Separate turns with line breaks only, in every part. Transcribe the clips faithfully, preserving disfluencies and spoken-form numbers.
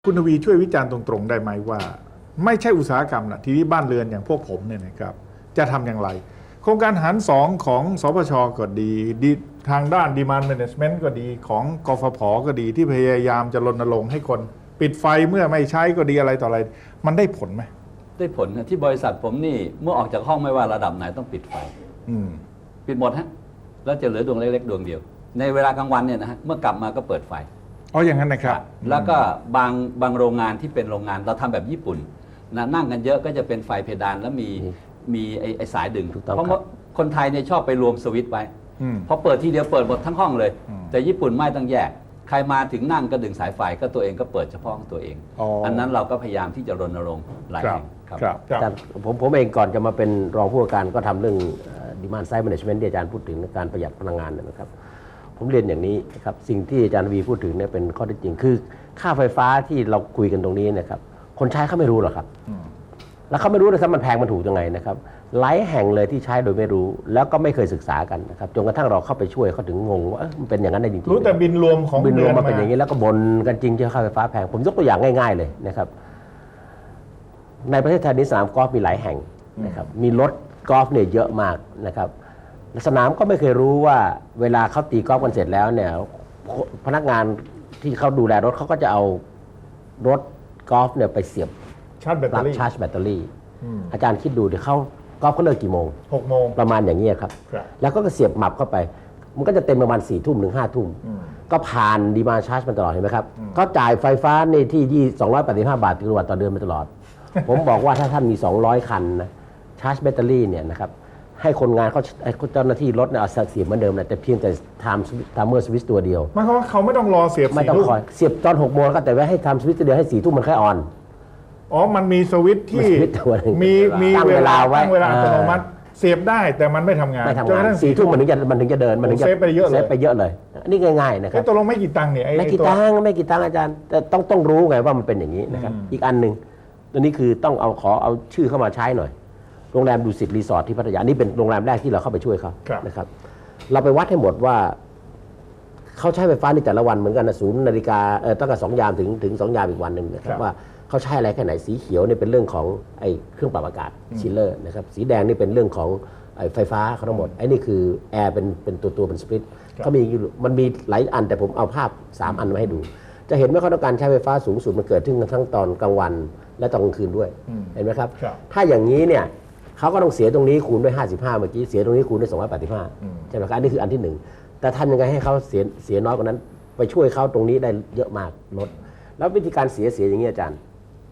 คุณทวีช่วยวิจารณ์ตรงๆได้ไหมว่าไม่ใช่อุตสาหกรรมนะทีนี้บ้านเรือนอย่างพวกผมเนี่ยนะครับจะทำอย่างไรโครงการหารสองของสปชก็ดีทางด้าน Demand Management ก็ดีของกฟผก็ดีที่พยายามจะรณรงค์ให้คนปิดไฟเมื่อไม่ใช้ก็ดีอะไรต่ออะไรมันได้ผลไหม
ได้ผลนะที่บริษัทผมนี่เมื่อออกจากห้องไม่ว่าระดับไหนต้องปิดไฟปิดหมดฮะแล้วจะเหลือดวงเล็กๆดวงเดียวในเวลากลางวันเนี่ยนะฮะเมื่อกลับมาก็เปิดไฟ
อ๋ออย่างนั้นนะครับ
แล้วก็บางบางโรงงานที่เป็นโรงงานเราทำแบบญี่ปุ่นนะนั่งกันเยอะก็จะเป็นไฟเพดานแล้วมีมีไอ้ไอ้สายดึงเพราะว่าคนไทยเนี่ยชอบไปรวมสวิตช์ไว้พอเปิดทีเดียวเปิดหมดทั้งห้องเลยแต่ญี่ปุ่นไม่ต้องแยกใครมาถึงนั่งก็ดึงสายไฟก็ตัวเองก็เปิดเฉพาะของตัวเอง อ, อันนั้นเราก็พยายามที่จะรณรงค์หลายแห่ง
ครับแต่ผมผมเองก่อนจะมาเป็นรองผู้ว่าการก็ทำเรื่อง Demand Side Management ที่อาจารย์พูดถึงการประหยัดพลังงานนะครับผมเรียนอย่างนี้นะครับสิ่งที่อาจารย์วีพูดถึงเนี่ยเป็นข้อเท็จจริงคือค่าไฟฟ้าที่เราคุยกันตรงนี้นะครับคนใช้เขาไม่รู้หรอกครับแล้วเขาไม่รู้เลยว่ามันแพงมันถูกยังไงนะครับหลายแห่งเลยที่ใช้โดยไม่รู้แล้วก็ไม่เคยศึกษากันนะครับจนกระทั่งเราเข้าไปช่วยเขาถึงงงว่ามันเป็นอย่างนั้นได้จริงๆ
รู้แต่บินรวมของ
บินรวมมาเป็นอย่างนี้แล้วก็บ่นกันจริงที่ค่าไฟฟ้าแพงผมยกตัวอย่างง่ายๆเลยนะครับในประเทศไทยนี้สนามกอล์ฟมีหลายแห่งนะครับมีรถกอล์ฟเนี่ยเยอะมากนะครับสนามก็ไม่เคยรู้ว่าเวลาเขาตีกอล์ฟกันเสร็จแล้วเนี่ยพนักงานที่เขาดูแลรถเขาก็จะเอารถกอล์ฟเนี่ยไปเสียบ
ชาร์จแบตเตอรี่
ชาร์จแบตเตอรี่อาจารย์คิดดูดิเขากอล์ฟเขาเลิกกี่โมง
หกโมง
ประมาณอย่างนี้ครับแล้วก็เสียบหมับเข้าไปมันก็จะเต็มประมาณสี่ทุ่มถึงห้าทุ่มก็ผ่านดีมาชาร์จมันตลอดเห็นไหมครับเขาจ่ายไฟฟ้าในที่สองร้อยแปดสิบห้าบาทกิโลวัตต์ต่อเดือนมาตลอด ผมบอกว่าถ้าท่านมีสองร้อยคันนะชาร์จแบตเตอรี่เนี่ยนะครับให้คนงานเขาเจ้าหน้าที่รถเนี่ยเอาเสียบเหมือนเดิมนะแต่เพียงแต่ทำทำเมอร์สวิตช์ตัวเดียว
หมายความว่าเขาไม่ต้องรอเสียบ
ไม่ต้องคอยเสียบตอนหกโมงก็แต่ว่าให้ทำสวิตช์ตัวเดียวให้สี่ทุ่มมันแค่ออน
อ๋อมันมีสวิตช์ที่มีมีเวลาตั้งเวลาอัตโนมัติเสียบได้แต่มันไม่ทำงาน
ไม่ทำงานสี่ทุ่มมันถึงจะมันถึงจะเดินมันถึงจะ
เซฟไปเยอะเลย
เซฟไปเยอะเลยนี่ง่ายๆนะครับ
ตกลงไม่กี่ตังค์เนี่ย
ไม่กี่ตังค์ไม่กี่ตังค์อาจารย์แต่ต้องต้องรู้ไงว่ามันเป็นอย่างนี้นะครับอีกอันหนึ่งตัวนี้คือต้องเอาขอเอาชื่อเข้ามาใช้หน่อยโรงแรมดูสิตรีสอร์ทที่พัทยานี่เป็นโรงแรมแรกที่เราเข้าไปช่วยเขานะครับเราไปวัดให้หมดว่าเขาใช้ไฟฟ้าในแต่ละวันเหมือนกันนะศูนย์นาฬิกาเออตั้งแต่สองยามถึงถึงสองยามอีกวันหนึ่งนะครับว่าเขาใช้อะไรแค่ไหนสีเขียวนี่เป็นเรื่องของไอ้เครื่องปรับอากาศชิลเลอร์นะครับสีแดงนี่เป็นเรื่องของไอ้ไฟฟ้าเขาทั้งหมดไอ้นี่คือแอร์เป็นเป็นตัวตัวเป็นสปริตเขามีมันมีหลายอันแต่ผมเอาภาพสามอันมาให้ดูจะเห็นว่าเขาต้องการใช้ไฟฟ้าสูงสุดมันเกิดขึ้นทั้งตอนกลางวันและตอนกลางคืนด้วยเห็นไหมครับถ้าอย่างนี้เนี่ยเขาก็ต้องเสียตรงนี้คูณด้วยห้าสิบห้าเมื่อกี้เสียตรงนี้คูณด้วยสองร้อยแปดสิบห้าใช่ไหมครับอันนี้คืออันที่หนึ่งแต่ทำยังไงให้เขาเสียเสียน้อยกว่านั้นไปช่วยเขาตรงนี้ได้เยอะมากลดแล้ววิธีการเสียเสียอย่างนี้อาจารย์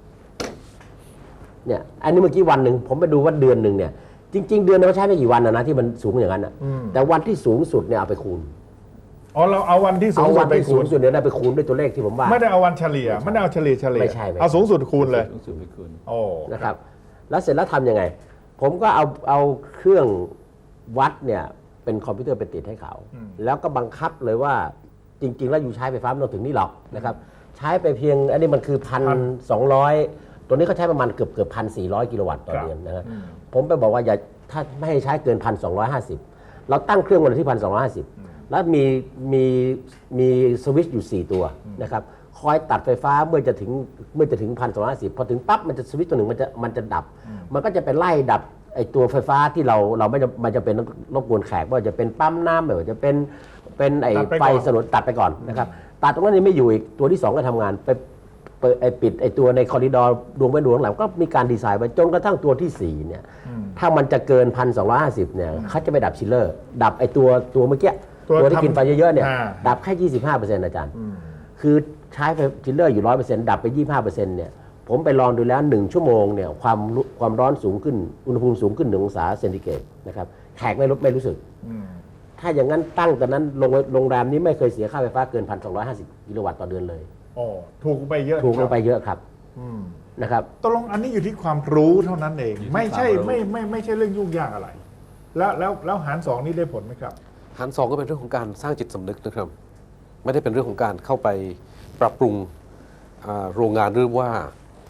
เนี่ยอันนี้เมื่อกี้วันหนึ่งผมไปดูว่าเดือนหนึ่งเนี่ยจริงๆเดือนเขาใช้ไม่กี่วันนะนะที่มันสูงอย่างนั้นนะแต่วันที่สูงสุดเนี่ยเอาไปคูณ
อ๋อเราเอาวันที่สูงสุดไปคูณ
สุดเนี่ยได้ไปคูณด้วยตัวเลขที่ผมว่า
ไม่ได้เอาวันเฉลี่ยไม่ได้เอาเฉลี่ยเฉลี่ย
ไม่ใช่
เอาสูงสุดคูณเลย
สูงสุดไปคูณ
โอ้
นะครับแล้วเสร็จแล้วทำยังไงผมก็เอาเอาเครื่องวัดเนี่ยเป็นคอมพิวเตอร์ไปติดให้เขาแล้วก็บังคับเลยว่าจริงๆแล้วอยู่ใช้ไฟฟ้าไม่ต้องถึงนี่หรอกนะครับใช้ไปเพียงอันนี้มันคือพันสองร้อยตัวนี้เขาใช้ประมาณเกือบเกือบพันสี่ร้อยกิโลวัตต์ต่อเดือนนะครับผมไปบอกว่าอย่าถ้าไม่ให้ใช้เกินพันสองร้อยห้าสิบเราตั้งเครื่องวันที่พันสองร้อยห้าสิบแล้วมีมีมีสวิตช์อยู่สี่ตัวนะครับคอยตัดไฟฟ้าเมื่อจะถึงเมื่อจะถึงพันสองร้อยห้าสิบพอถึงปั๊บมันจะสวิตช์ตัวหนึ่งมันจะมันจะดับมันก็จะไปไล่ดับไอตัวไฟฟ้าที่เราเราไม่จะมันจะเป็นรบกวนแขกว่าจะเป็นปั๊มน้ำไม่ว่าจะเป็นเป็นไอไฟสนนตัดไปก่อนนะครับตัดตรงนั้นยังไม่อยู่อีกตัวที่สองก็ทำงานไปเปิดไอปิดไอตัวในคอริดอร์ดวงไปดวงหลังก็มีการดีไซน์ไว้จนกระทั่งตัวที่สี่เนี่ยถ้ามันจะเกินพันสองร้อยห้าสิบเนี่ยเขาจะไปดับชิลเลอร์ดับไอตัวตัวเมื่อกี้ตัวที่กินไฟเยอะๆเนี่ยดับแค่ยี่สิบห้าเปอร์เซ็นต์อาจารย์คือใช้ไฟชิลเลอร์อยู่ร้อยเปอร์เซ็นต์ดับไปยี่สิบห้าเปอร์เซ็นต์เนี่ยผมไปลองดูแล้วหนึ่งชั่วโมงเนี่ยความความร้อนสูงขึ้นอุณหภูมิสูงขึ้นหนึ่งองศาเซนติเกรดนะครับแขกไม่รู้ไม่รู้สึกถ้าอย่างนั้นตั้งแต่นั้นโรงแรมนี้ไม่เคยเสียค่าไฟฟ้าเกินพันสองร้อยห้าสิบกิโลวัตต์ต่อเดือนเลย
อ๋อถูกไปเยอะ
ถูกลงไปเยอะครับนะครับ
ตกลงอันนี้อยู่ที่ความรู้เท่านั้นเองไม่ใช่ไม่ไม่ไม่ใช่เรื่องยุ่งยากอะไรแล้วแล้วแล้วหารสองนี่ได้ผลไหมครับ
หารสองก็เป็นเรื่องของการสร้างจิตสำนึกนะครับไม่ได้เป็นเรื่องของการเข้าไปปรับปรุงโรงงานหรือว่า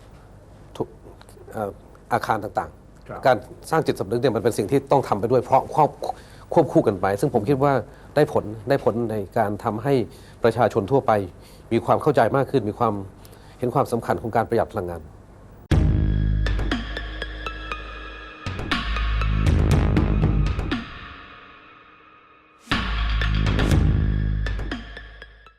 อาคารต่างๆการสร้างจิตสำนึกเนี่ยมันเป็นสิ่งที่ต้องทำไปด้วยเพราะควบควบคู่กันไปซึ่งผมคิดว่าได้ผลได้ผลในการทำให้ประชาชนทั่วไปมีความเข้าใจมากขึ้นมีความเห็นความสำคัญของการประหยัดพลังงาน